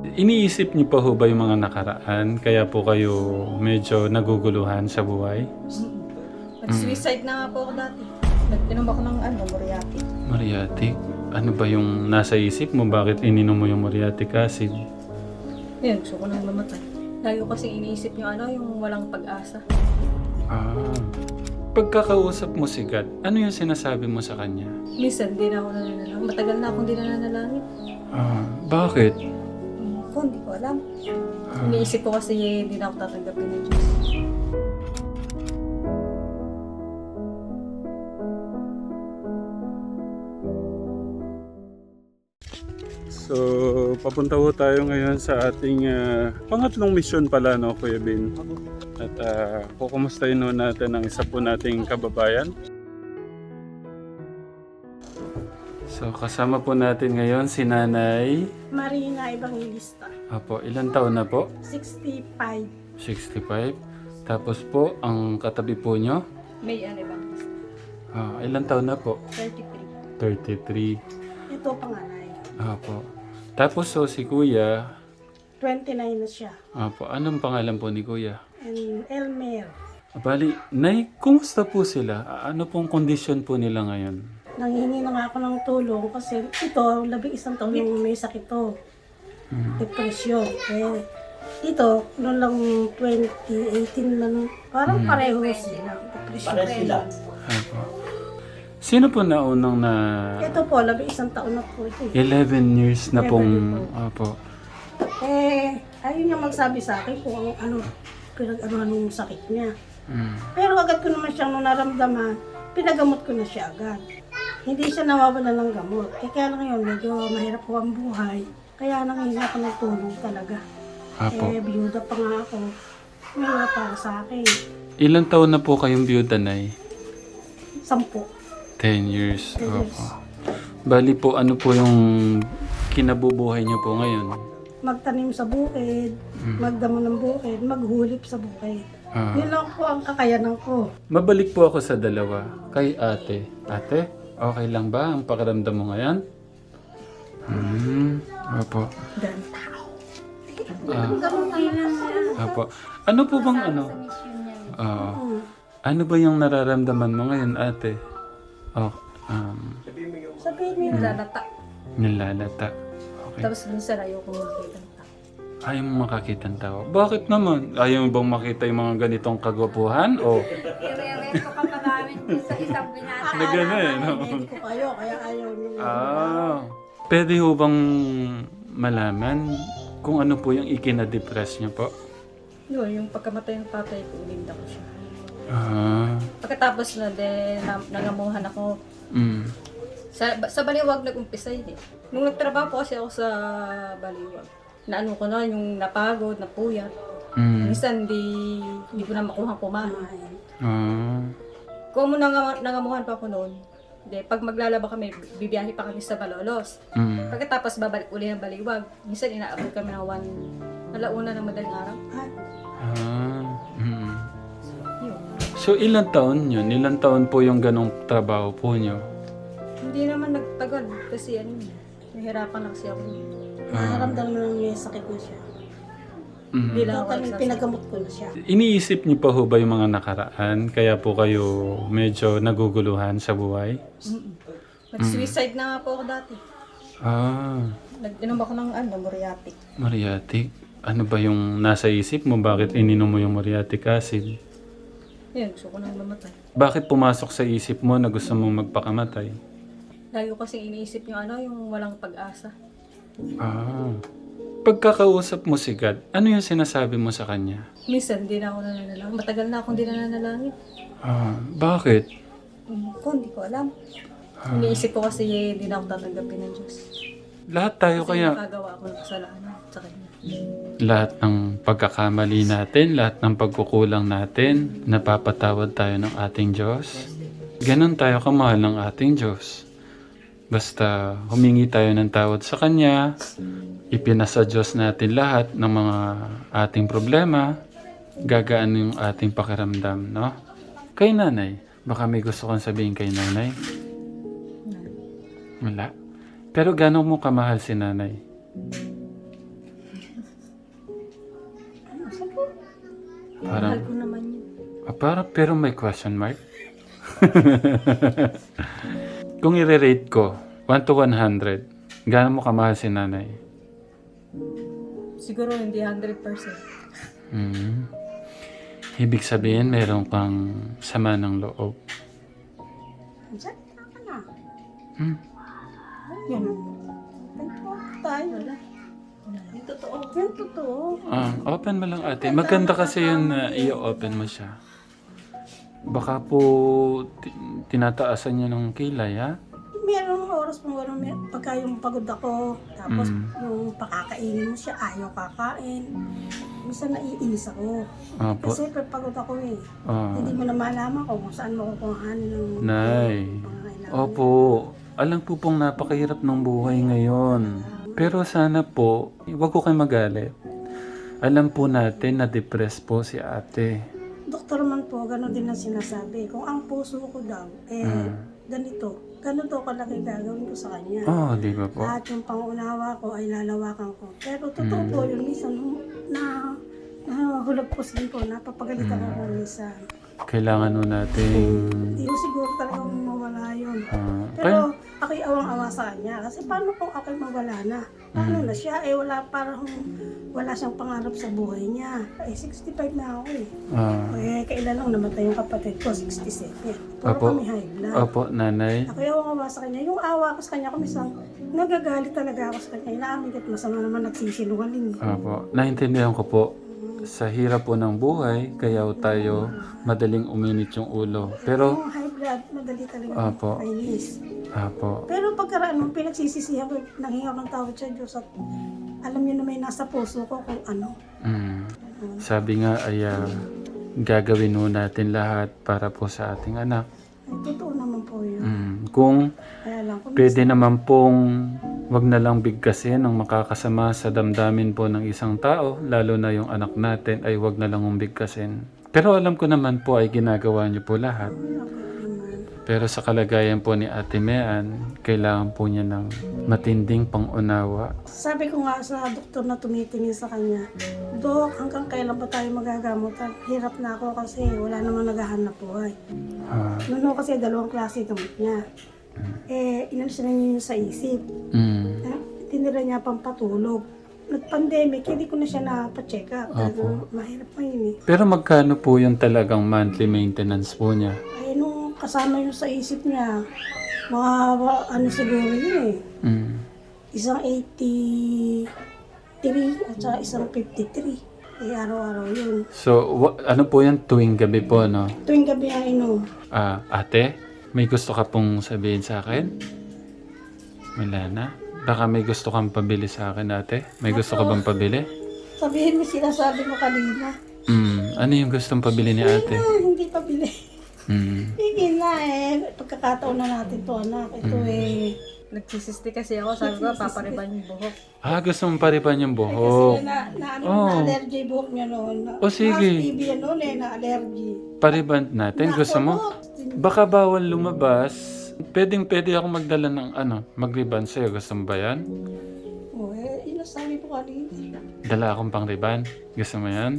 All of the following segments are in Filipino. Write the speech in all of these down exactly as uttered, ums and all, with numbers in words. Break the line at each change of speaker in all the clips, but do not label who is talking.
Iniisip niyo pa ho ba yung mga nakaraan? Kaya po kayo medyo naguguluhan sa buhay?
Nag-suicide na nga po ako dati. Nag-inom ako ng ano, muriatic.
Muriatic? Ano ba yung nasa isip mo? Bakit ininom mo yung muriatic acid?
Yun, gusto ko nang mamatay. Lagi ko kasi iniisip yung ano, yung walang pag-asa.
Ah. Pagkakausap mo si God, ano yung sinasabi mo sa kanya?
Minsan, di na ako nananalangin. Matagal na akong di na nananalangin.
Ah, bakit?
Hmm, ko, hindi ko alam.
Ah.
Iniisip ko kasi hindi na ako tatanggapin ng Diyos.
So, papunta ho tayo ngayon sa ating ah, pangatlong mission pala, no, Kuya Bin? At uh, kukumustahin ho natin ang isa po nating kababayan. So, kasama po natin ngayon si Nanay.
Marina Evangelista,
Apo, ilan taon na po?
sixty-five.
sixty-five. Tapos po, ang katabi po nyo?
May ano bang?
Ah, ilan taon na po?
thirty-three.
thirty-three.
Ito panganay.
Apo. Tapos so, si Kuya,
twenty-nine na siya.
apo, anong pangalan po ni Kuya?
And Elmer,
Bali, Nay, kumusta po sila? A- Ano pong kondisyon po nila ngayon?
nanghingi na nga ako ng tulong kasi ito, labing isang taon nung may sakit to. Depresyon. Eh, ito, noon lang twenty eighteen lang, parang pareho sila. Depresyon.
Apo. Sino po naunang na
Ito po, labing isang taon na po ito. eh.
eleven years na pong... Apo.
Eh, ayun nga magsabi sa akin kung ano, ano pinag-anuhan ng sakit niya.
Mm.
Pero agad ko naman siyang nung naramdaman, pinagamot ko na siya agad. Hindi siya nawawala ng gamot. Eh kaya lang ngayon, medyo mahirap po ang buhay. Kaya nangihingi ako ng tulong talaga.
Apo.
Eh, biyuda pa nga ako. Mahirap para sa akin.
Ilang taon na po kayong biyuda, Nay?
Sampo.
ten years.
Ten years.
Opo. Bali po, ano po yung kinabubuhay niyo po ngayon?
Magtanim sa bukid, magdamo ng bukid, maghulip sa bukid.
Ah.
Yun lang po ang kakayanan ko.
Mabalik po ako sa dalawa. Kay ate. Ate, okay lang ba ang pakiramdam mo ngayon? Hmm. Opo.
Ganda.
Ah. Opo. Ano po bang ano? Oo. Ano ba yung nararamdaman mo ngayon, ate? Oh, um,
Sabihin niyo,
Lalata.
nilalata. Okay.
Tapos minsan ayoko makita ng tao.
Ayaw mo makakita ng tao. Bakit naman? Ayaw mo bang makita yung mga ganitong kagwapuhan? O,
Ire-reto ka pa namin dun sa isang binata.
na gano'n eh, no?
medyo ko kayo, kaya ayaw niyo.
Ah. Pwede ho bang malaman kung ano po yung ikinadepress niyo po?
Yun, yung pagkamatay ng tatay ko, ulinda ko siya.
Ah.
Pagkatapos na din, na, nangamuhan ako.
Mm.
Sa, sa Baliwag nag-umpisa yun eh. Nung nagtrabaho po kasi ako sa Baliwag, naano ko na yung napagod, napuyat.
Mm.
Minsan di, di ko na makuha kumain.
Ah.
Kung mo nang, nangamuhan pa ako noon, de, pag maglalaba kami, bibiyahe pa kami sa Balolos.
Mm.
Pagkatapos babalik uli ng Baliwag, minsan inaabot kami ng one, alauna ng madaling araw.
Ah. Mm.
Yun.
So, ilang taon yun? Ilang taon po yung ganong trabaho po niyo?
Hindi naman nagtagal kasi ano, nahirapan lang siya ako.
Nakaramdam mo lang may sakit na siya.
Mm.
Hindi lang ako
Total,
nagsasabi.
pinagamot ko na siya.
Iniisip niyo pa ho ba yung mga nakaraan? Kaya po kayo medyo naguguluhan sa buhay?
Mm-mm. Nag-suicide na nga po ako dati.
Ah,
Nag-inom ako ng ano, muriatic.
muriatic. Ano ba yung nasa isip mo? Bakit ininom mo yung muriatic acid?
Yun, gusto ko nang mamatay.
Bakit pumasok sa isip mo na gusto mong magpakamatay?
Lagi ko kasi iniisip yung ano, yung walang pag-asa.
Ah. Pagkakausap mo si God, ano yung sinasabi mo sa kanya?
Minsan, di na ako nananalangin. Matagal na akong di na nananalangin.
Ah, bakit?
Hmm, ko, hindi ko alam. Iniisip ko kasi hindi na ako tatanggapin ng Diyos.
Lahat tayo
Kasi
kaya,
nakagawa ako ng kasalanan sa Kanya.
lahat ng pagkakamali natin, lahat ng pagkukulang natin, napapatawad tayo ng ating Diyos. Ganon tayo kamahal ng ating Diyos. Basta humingi tayo ng tawad sa Kanya, ipinasa Diyos natin lahat ng mga ating problema, gagaan yung ating pakiramdam, no? Kay nanay, baka may gusto kang sabihin kay nanay? Wala. Pero gano'n mo kamahal si nanay? Parang,
Mahal ko naman yun.
ah, para, pero may question mark. Kung i-rate ko, one to one hundred, gaano mo kamahal si nanay?
Siguro hindi one hundred percent.
Hmm. Ibig sabihin, meron kang sama ng loob.
Diyan ka na.
Hmm.
Yan. Thank tayo. Wala.
Yung totoo.
Yan totoo.
Ah, open mo lang ate. Maganda kasi yun na i-open mo siya. Baka po ti- tinataasan niya ng kilay, ha?
Meron oras mo gano'n, may, pagka yung pagod ako, tapos
Mm.
yung pakakainin mo siya, ayaw kakain. Minsan naiinis ako.
Opo.
Kasi pag pagod ako eh.
Ah.
Hindi mo na malaman kung saan mo kukuhanin ng
Nay.
pangangailangan.
Opo. Alam po pong napakahirap ng buhay ngayon. Pero sana po, huwag ko kayo magalit. Alam po natin na depressed po si ate.
Doktor man po, gano'n din ang sinasabi. Kung ang puso ko daw, eh,
Mm.
ganito, gano'n daw kalaki gagawin ko sa kanya.
Oh, di ba po?
Lahat yung pangunawa ko ay lalawakan ko. Pero totoo po yun, minsan hum- na nahulog po din po, napapagalitan ako minsan.
Kailangan nun natin...
Hindi ko siguro talagang mawala yun.
ah,
Pero ako'y awang-awa sa kanya. Kasi paano kung ako'y mawala na? Paano na siya? Eh wala, parang wala siyang pangarap sa buhay niya. Eh sixty-five na ako eh.
ah,
Eh kailan lang namatay yung kapatid ko, sixty-seven. Puro
Opo.
kami high blood.
opo, nanay.
Ako'y awang-awa sa kanya. Yung awa ko sa kanya, kumisang nagagalit talaga ako sa kanya. Inaamin ko masama naman nagsisinungaling. eh.
Opo, naintindihan ko po. Sa hirap po ng buhay, kaya tayo madaling uminit yung ulo. Pero,
Yung high blood, madali talaga
Opo.
kainis.
opo,
Pero pagkaraan nung pinagsisisihan ko, nanghinga ng tawad sa Diyos at alam niyo na may nasa puso ko kung ano.
mm, sabi nga ay ah, gagawin mo natin lahat para po sa ating anak.
Ay, totoo naman po yun.
Mm, kung
Kaya lang, kung
pwede naman pong wag na lang bigkasin ang makakasama sa damdamin po ng isang tao, lalo na yung anak natin, ay wag na lang umbigkasin. Pero alam ko naman po ay ginagawa niyo po lahat.
naman.
Pero sa kalagayan po ni Ate Mean, kailangan po niya ng matinding pangunawa.
Sabi ko nga sa doktor na tumitingin sa kanya, Dok, hanggang kailan ba tayo magagamot? Hirap na ako kasi wala namang naghahanap buhay.
Ah,
Noon kasi dalawang klase gamot niya. Eh, inalis na niya yun sa isip.
mm,
Eh, tinira niya pang patulog. Nag-pandemic, hindi ko na siya napacheck up.
Opo.
Mahirap pa yun eh.
pero magkano po yung talagang monthly maintenance po niya?
Ay, nung kasama yun sa isip niya, mga ano siguro yun eh.
Mm.
Isang eighty-three at saka isang fifty-three. Eh, araw-araw yun.
So, wa- ano po yan tuwing gabi po, no?
Tuwing gabi ang inom.
Ah, ate, may gusto ka pong sabihin sa akin? Wala na? Baka may gusto kang pabili sa akin, ate? May gusto ka bang pabili?
Sabihin mo sinasabi mo kanina.
Mm, ano yung gustong pabili ni ate?
Ah, hindi pa bili.
Mm.
Sige na eh. Pagkakataon na natin to anak. Ito eh.
Nagsisisti kasi ako, sabi ko, papariban yung buhok.
Ah, gusto mong paripan yung
Kasi
buhok.
na, na, ano,
Oh.
na allergy buhok niya noon. Na,
Oh, sige.
Na T B yan noon eh, na allergy.
Pariban natin, gusto mo? Baka bawal lumabas. Pwedeng pwede ako magdala ng ano, mag-riban sa'yo. Gusto mo ba yan?
Oh, eh, yun ang sabi ko kanina.
Dala akong pang riban. Gusto mo yan?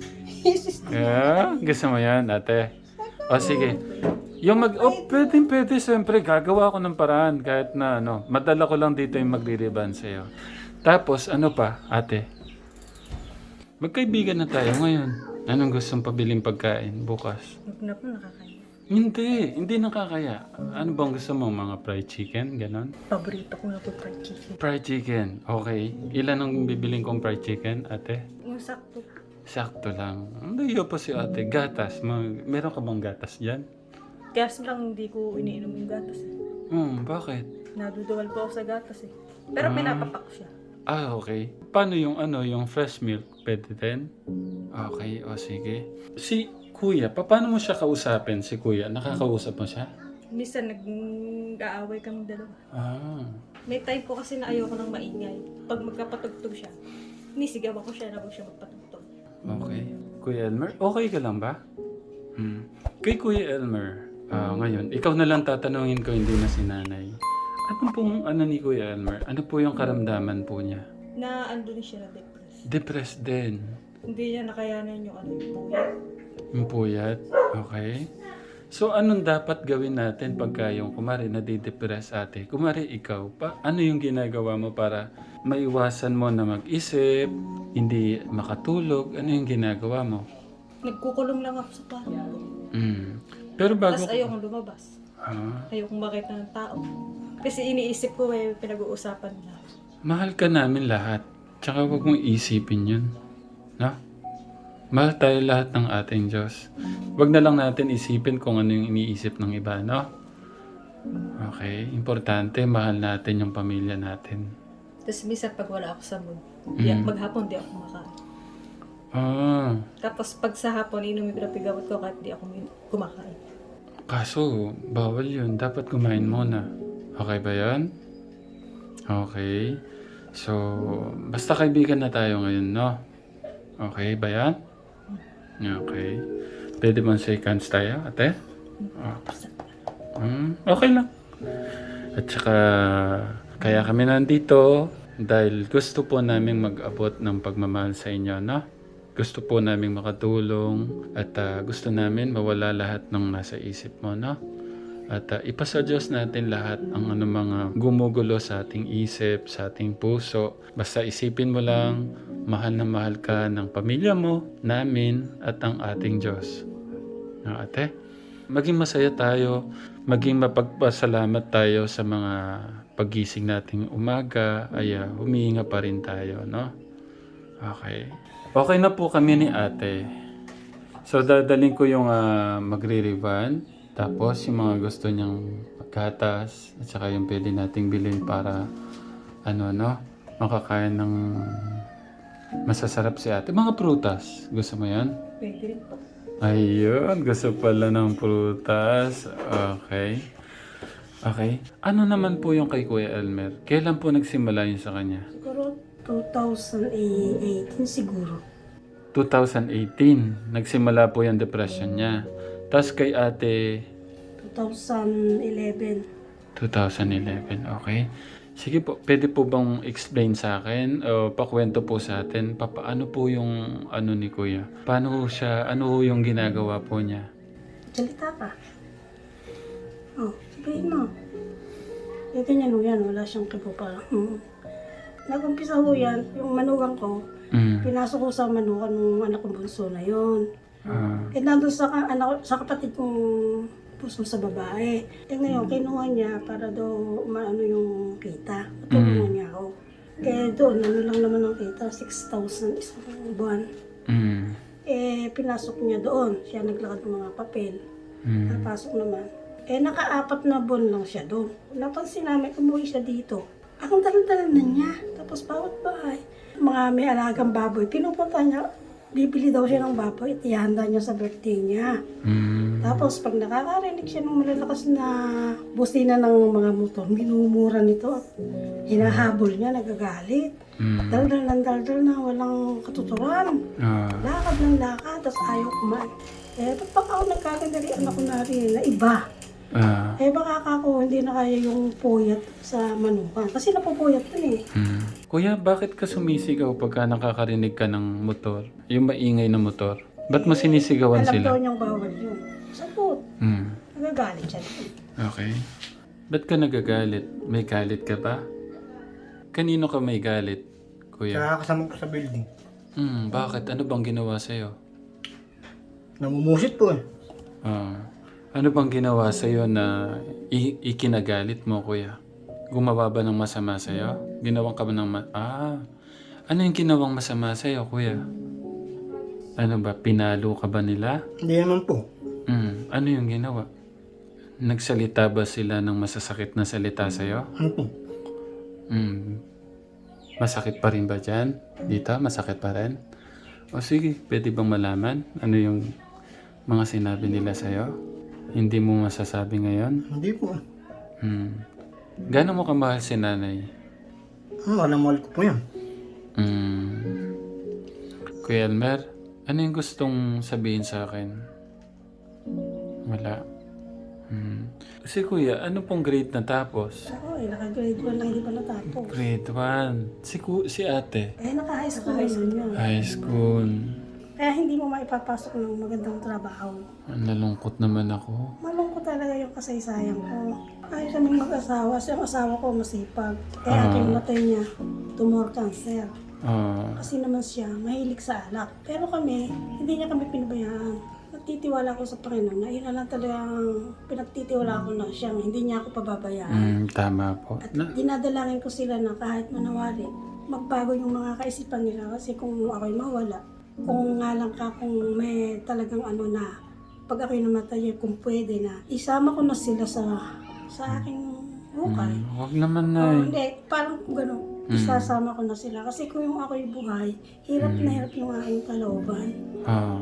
Yeah, gusto mo yan, ate? O sige. Yung mag... Oh, pwedeng pwede. Siyempre, gagawa ko ng paraan. Kahit na ano, madala ko lang dito yung magri-riban sa'yo. Tapos, ano pa, ate? Magkaibigan na tayo ngayon. Anong gustong pabiling pagkain bukas?
Huwag na po nakakaya.
Hindi, hindi nakakaya. Ano bang gusto mo? Mga fried chicken? Ganon?
Paborito ko na po fried chicken.
Fried chicken. Okay. Ilan ang bibiling kong fried chicken, ate?
Yung sakto.
Sakto lang. Hindi po si ate. Gatas. Mag- meron ka bang gatas dyan?
Kaya lang hindi ko iniinom yung gatas. eh.
Hmm, bakit?
Naduduwal po ako sa gatas eh. Pero pinapapak ko siya.
Ah, okay. Paano yung ano, yung fresh milk? Pwede din? Okay, o sige. Si Kuya, pa- paano mo siya kausapin, si Kuya? Nakakausap mo siya?
Minsan nag-aaway kami dalawa.
Ah.
May time po kasi na ayoko nang maingay. Pag magkapatugtog siya, nisigaw ako siya na huwag siya magpatugtog.
Okay. Kuya Elmer, okay ka lang ba? Hmm. Kay Kuya Elmer, ah, ngayon, ikaw na lang tatanungin ko, hindi na si nanay. Ano pong ano ni Kuya Elmer? Ano po yung karamdaman po niya?
Na andun siya na depressed.
Depressed din.
Hindi niya nakayanan yung ano yung puyat.
Yung puyat. Okay. So, anong dapat gawin natin pagka yung kumari nadidepress ate? Kumari ikaw pa, ano yung ginagawa mo para maiwasan mo na mag-isip, hindi makatulog? Ano yung ginagawa mo?
Nagkukulong lang ako sa kwarto.
Mm. Pero bago...
Tapos ayokong lumabas.
Ah,
Ayokong makita ng tao. Kasi iniisip ko eh, pinag-uusapan niya.
mahal ka namin lahat. Tsaka huwag mong isipin yun. No? Mahal tayo lahat ng ating Diyos. Huwag na lang natin isipin kung ano yung iniisip ng iba, no? Okay. Importante, mahal natin yung pamilya natin.
Tapos minsan pag wala ako sa mood, di,
Mm.
maghapon di ako kumakain.
Ah,
Tapos pag sa hapon, inumin ko na pigamot ko kahit di ako min- kumakain.
kaso, bawal yun. Dapat kumain muna. Okay ba yan? Okay. So, basta kaibigan na tayo ngayon, no? Okay ba yan? Okay. Pwede bang seconds tayo, ate? Okay. Hmm, okay lang. At saka, kaya kami nandito dahil gusto po namin mag-abot ng pagmamahal sa inyo, no? Gusto po namin makatulong at ah, gusto namin mawala lahat ng nasa isip mo, no? At uh, ipasa Diyos natin lahat ang ano mga gumugulo sa ating isip, sa ating puso. Basta isipin mo lang, mahal na mahal ka ng pamilya mo, namin, at ang ating Diyos. No, ate? Maging masaya tayo, maging mapagpasalamat tayo sa mga paggising nating umaga, ay uh, humihinga pa rin tayo, no? Okay. Okay na po kami ni ate. So, dadaling ko yung uh, magre-revan. Tapos, yung mga gusto niyang pagkatas at saka yung pwede nating bilhin para ano, no? Makakain ng masasarap si ate. Mga prutas. Gusto mo yan?
Pwede rin po.
Ayun. Gusto pala ng prutas. Okay. Okay. Ano naman po yung kay Kuya Elmer? Kailan po nagsimula yun sa kanya?
Siguro two thousand eighteen siguro.
twenty eighteen. Nagsimula po yung depression niya. Tapos kay ate,
twenty eleven.
twenty eleven, okay. Sige po, pwede po bang explain sa akin o pakwento po sa atin, pa, paano po yung ano ni Kuya? Paano ho siya, ano ho yung ginagawa po niya?
Salita ka. Oh, sabihin mo. Eh, ganyan ho yan. Wala siyang kibo pa. Mm. Nag-umpisa ho yan, yung manugang ko,
Mm.
pinasok ko sa manukan ng anak kong bunso na yun.
Ah,
Eh, nandun sa, ka- anak, sa kapatid kong puso sa babae. Eh, ngayon, kinuha niya para daw maano yung kita. Patulungan niya ako. Eh, doon, ano lang naman ang kita, six thousand isang buwan.
mm,
Eh, pinasok niya doon. Siya naglakad ng mga papel.
mm,
Napasok naman. Eh, nakaapat na buwan lang siya doon. Napansin namin, umuwi siya dito. Ang dala-dala na niya. Tapos bawat bahay. Mga may alagang baboy, pinupunta niya, bibili daw siya ng baboy at ihanda niya sa birthday niya.
mm,
Tapos pag nakakarinig siya ng malalakas na busina ng mga motor, minumura nito at hinahabol niya, nagagalit.
mm,
Daldal ng daldal na walang katuturan.
ah,
Lakad ng lakad, tapos ayaw kumain. Eh, ba't baka ako nagkakadalian ako na rin na iba?
ah,
Eh, baka ako hindi na kaya yung puyat sa manukan. Kasi napupuyat dun eh.
mm. Kuya, bakit ka sumisigaw pagka nakakarinig ka ng motor? Yung maingay na motor? Ba't mo sinisigawan
Alam daw
sila?
niyang bawal yun. Sagot.
Mm.
Nagagalit siya.
Okay. Ba't ka nagagalit? May galit ka ba? Kanino ka may galit, Kuya?
Nakakasama ko sa building.
Hmm, bakit? Ano bang ginawa sa'yo?
Namumusit po eh.
Ah, ano bang ginawa sa'yo na i- ikinagalit mo, Kuya? Gumawa ba ng masama sa'yo? Ginawang ka ba ng ma- Ah, ano yung ginawang masama sa'yo, Kuya? Ano ba? Pinalo ka ba nila?
Hindi naman po.
Hmm, ano yung ginawa? Nagsalita ba sila ng masasakit na salita sa'yo?
Ano po?
Hmm. Masakit pa rin ba dyan? Dito? Masakit pa rin? O sige, pwede bang malaman? Ano yung mga sinabi nila sa'yo? Hindi mo masasabi ngayon?
Hindi po.
Hmm. Gano'n mo kamahal si nanay?
Ano, alam mahal ko po yan.
Hmm. Kuya Elmer, ano yung gustong sabihin sa akin? Wala. Hmm. Si Kuya, ano pong grade natapos?
Ako eh, naka-grade one lang, hindi pa natapos.
Grade one. Si, ku- si ate?
Eh, naka-high school na yun yun.
High school.
Kaya hindi mo maipapasok ng magandang trabaho.
Ang nalungkot naman ako.
Malungkot talaga yung kasaysayan ko. Ayaw kaming mag-asawa. So, yung asawa ko masipag. Kaya
Ah.
aking matay niya, tumor cancer.
Ah,
Kasi naman siya, mahilig sa alak. Pero kami, hindi niya kami pinabayaan. Nagtitiwala ko sa Panginoon na yun na lang talagang pinagtitiwala ko na siyang hindi niya ako pababayaan.
mm, tama po.
At
Na,
dinadalangin ko sila na kahit manawari, magbago yung mga kaisipan nila. Kasi kung ako'y mawala, kung nga lang ka, kung may talagang ano na, pag ako'y namatay, kung pwede na, isama ko na sila sa sa aking hukay.
mm, wag naman na
Oh,
eh.
hindi, parang gano'n, isasama ko na sila. Kasi kung yung ako'y buhay, hirap na hirap yung aking kalooban.
Ah,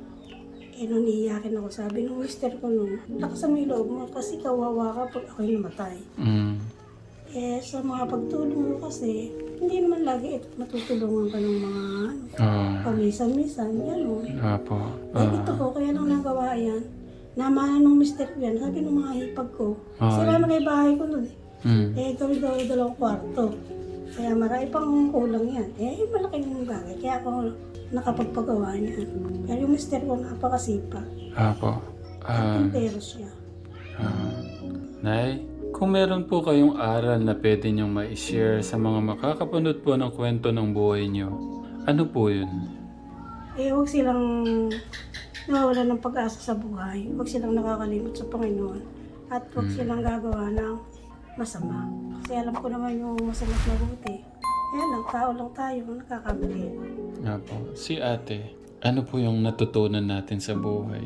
Eh, nung iiyakin ako, sabi nung mister ko nung, lakasan mo yung loob mo kasi kawawa ka pag ako'y namatay.
mm,
Eh, sa mga pagtulong mo kasi, hindi naman lagi ito matutulungan ka ng mga ano,
ah,
pamisan-misan, gano'n.
apo.
Eh,
Ah,
ito ko, kaya nang nagawa yan, namana nung mister ko yan, sabi nung mga hipag ko,
Ah.
sila na yung bahay ko nun eh.
mm,
Eh, gawin daw dalawang kwarto. Kaya marami pang kulang yan. Eh, malaking bagay. Kaya ako nakapagpagawa niyan. Pero yung mister ko napakasipag.
apo. Ah,
Tintero siya.
ah. Nay, kung meron po kayong aral na pwede niyong ma-share sa mga makakapanood po ng kwento ng buhay niyo, ano po yun?
Eh, huwag silang nawawala ng pag-asa sa buhay. Huwag silang nakakalimot sa Panginoon. At huwag silang gagawa ng masama. Kasi alam ko naman yung masama at mabuti. Kaya lang, tao lang tayo, nakakamali.
Apo. Si ate, ano po yung natutunan natin sa buhay?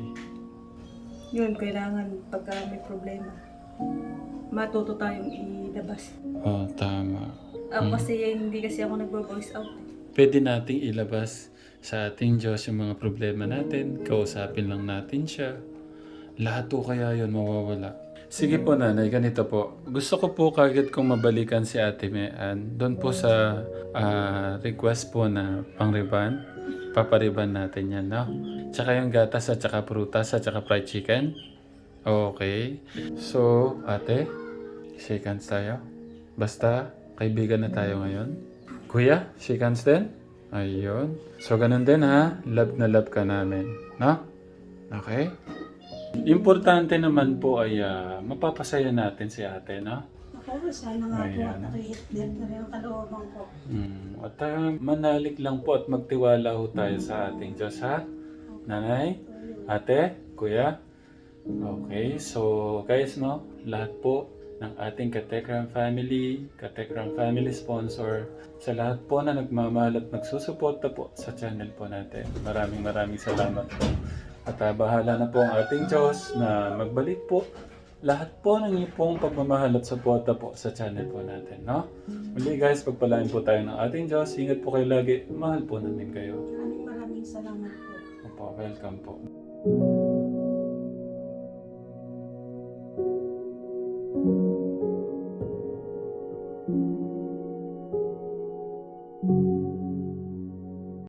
Yun, kailangan pagka may problema, matuto tayong ilabas.
Oh, tama.
Ako kasi hindi kasi ako nagbo-voice out. eh.
Pwede nating ilabas sa ating Diyos yung mga problema natin. Kausapin lang natin siya. Lahat po kaya yun mawawala. Sige po nanay, ganito po. Gusto ko po kagad kong mabalikan si Ate Mean. Doon po sa ah, request po na pang-riban. Papariban natin yan, no? Tsaka yung gatas at tsaka prutas at tsaka fried chicken. Okay. So, ate, shake hands tayo. Basta, kaibigan na tayo ngayon. Kuya, shake hands din? Ayun. So, ganun din ha. Love na love ka namin. No? Okay? Importante naman po ay ah, mapapasaya natin si ate, no?
Ako, sana nga po
Ayan.
nakahit din na rin ang kalooban ko.
Mm. At ah, manalik lang po at magtiwala ho tayo sa ating Diyos, ha? Nanay, ate, kuya. Okay, so guys, no? Lahat po ng ating Katekram family, Katekram family sponsor, sa lahat po na nagmamahal at nagsusuporta po sa channel po natin. Maraming maraming salamat po. At ah, bahala na po ang ating Diyos na magbalik po lahat po ng iyong pong pagmamahal at suporta po sa channel po natin, no? Muli guys, pagpalain po tayo ng ating Diyos. Ingat po kayo lagi. Mahal po namin kayo.
Maraming maraming salamat po.
Opo, welcome po.